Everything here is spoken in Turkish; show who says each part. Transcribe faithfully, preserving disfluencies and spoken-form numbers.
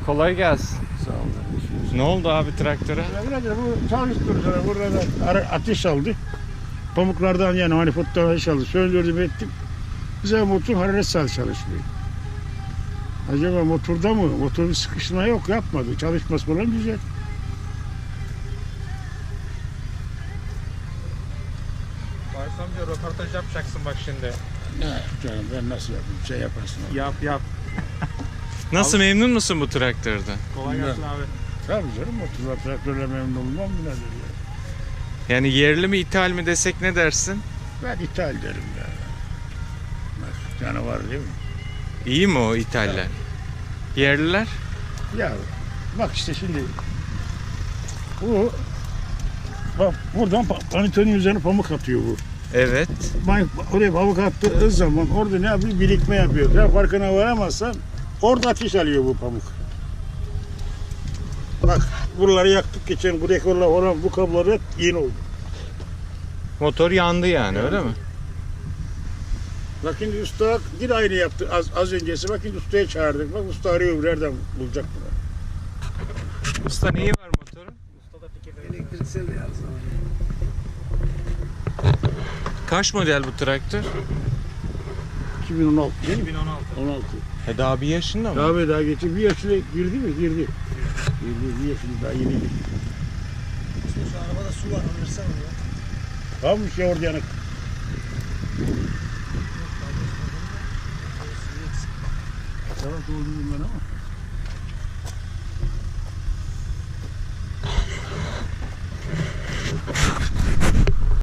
Speaker 1: Kolay gelsin.
Speaker 2: Sağ olun.
Speaker 1: Ne oldu abi traktöre?
Speaker 2: Birader bu çalıştırdı. Burada da ateş aldı. Pamuklardan yani manifolddan ateş aldı. Söndürdüm ettim. Bize motor hararet saat çalışmıyor. Acaba motorda mı? Motorun sıkışma yok, yapmadı. Çalışması falan güzel.
Speaker 1: Bayram amca röportaj yapacaksın bak şimdi.
Speaker 2: Ne canım ben nasıl yapayım? Şey yaparsın.
Speaker 1: Yap yap. Nasıl, memnun musun bu traktörden?
Speaker 3: Kolay gelsin abi.
Speaker 2: Tabii canım motorla traktörle memnun olmam birader ya.
Speaker 1: Yani yerli mi ithal mi desek ne dersin?
Speaker 2: Ben ithal derim ya. Canavar değil mi?
Speaker 1: İyi mi o ithaller? Yerliler?
Speaker 2: Ya bak işte şimdi bu bak buradan pa- panitonin üzerine pamuk atıyor bu.
Speaker 1: Evet.
Speaker 2: Ben oraya pamuk attığı zaman orada ne yapıyor? Birikme yapıyor. Sen farkına varamazsan orada ateş alıyor bu pamuk. Bak buraları yaktık geçen bu rekorlar olan bu kablolar hep yeni oldu.
Speaker 1: Motor yandı yani, öyle mi?
Speaker 2: Bak şimdi usta bir aynı yaptı az, az öncesi. Bak şimdi ustaya çağırdık. Bak usta arıyor nereden bulacak bunu.
Speaker 1: Usta neyi var motorun?
Speaker 3: Elektriksel ya.
Speaker 1: Kaç model bu traktör?
Speaker 2: iki bin on altı değil mi?
Speaker 3: iki bin on altı.
Speaker 2: on altı.
Speaker 1: E daha bir yaşında mı?
Speaker 2: Abi daha geçti. Bir yaşına girdi mi? Girdi. Girdi. Bir yaşında daha yeni girdi.
Speaker 3: Şu arabada su var, alırsana ya.
Speaker 2: Kalmış ya orada yanık. Tamam doldurdum ben ama.